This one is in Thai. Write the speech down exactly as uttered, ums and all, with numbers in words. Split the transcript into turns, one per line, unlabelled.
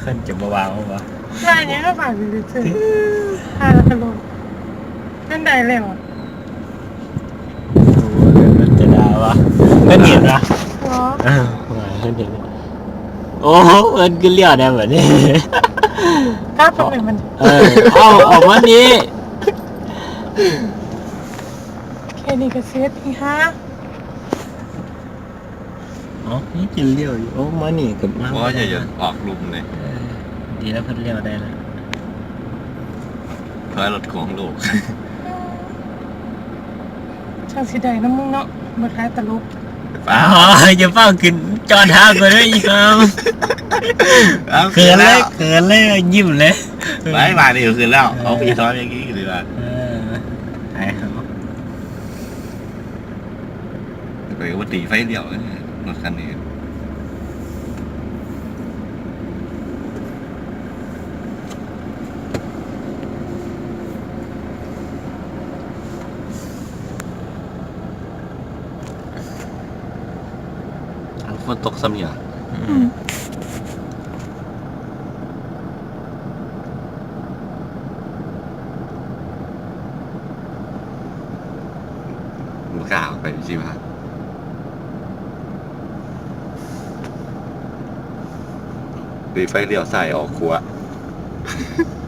ขึ้นจะมาวางมั้งวะ
ลายนี้ก็ผ่านไปเฉยๆผ่านแล้วก็ลงนั่นได้แล้วอ่ะ
โอ้มันจะดาวะเพื่อนเห็นปะ
อ๋อ
เออเพื่อนเห็นโอ้โหเพื่อนก็เลี้ยวได้แบบนี้
ถ้าตรงไหนมัน
เออเอาออกมานี้
แค่นี้ก็เซฟอีฮะ
อ๋อนี่จะเลี้ยวอยู่โอ้มานี่กับมา
เพราะว่าอย่าอย่าออกลุมเลย
เออดีแล้วเพื่อนเลี้ยวได้แล้ว
เพราะรถของโลก
ช่างสีแดงน้ำมึงเนาะมาคล้ายตลก
อ๋ออย่าเฝ้าขึ้นจอดท้ากูด้วยอีกครับเขินเลยเขินเลยยิ้มเลย
ไม่มาดิคืนแล้วเอาไปซ้อนอย่างนี้คือว่า
เออไอ้เขา
ไปว่าตีไฟเดี่ยวรถคันนี้ฝนตกซ้ำอย่างมันกล้าออกไปสิว่าตีไฟเลี้ยวใส่ออกขวา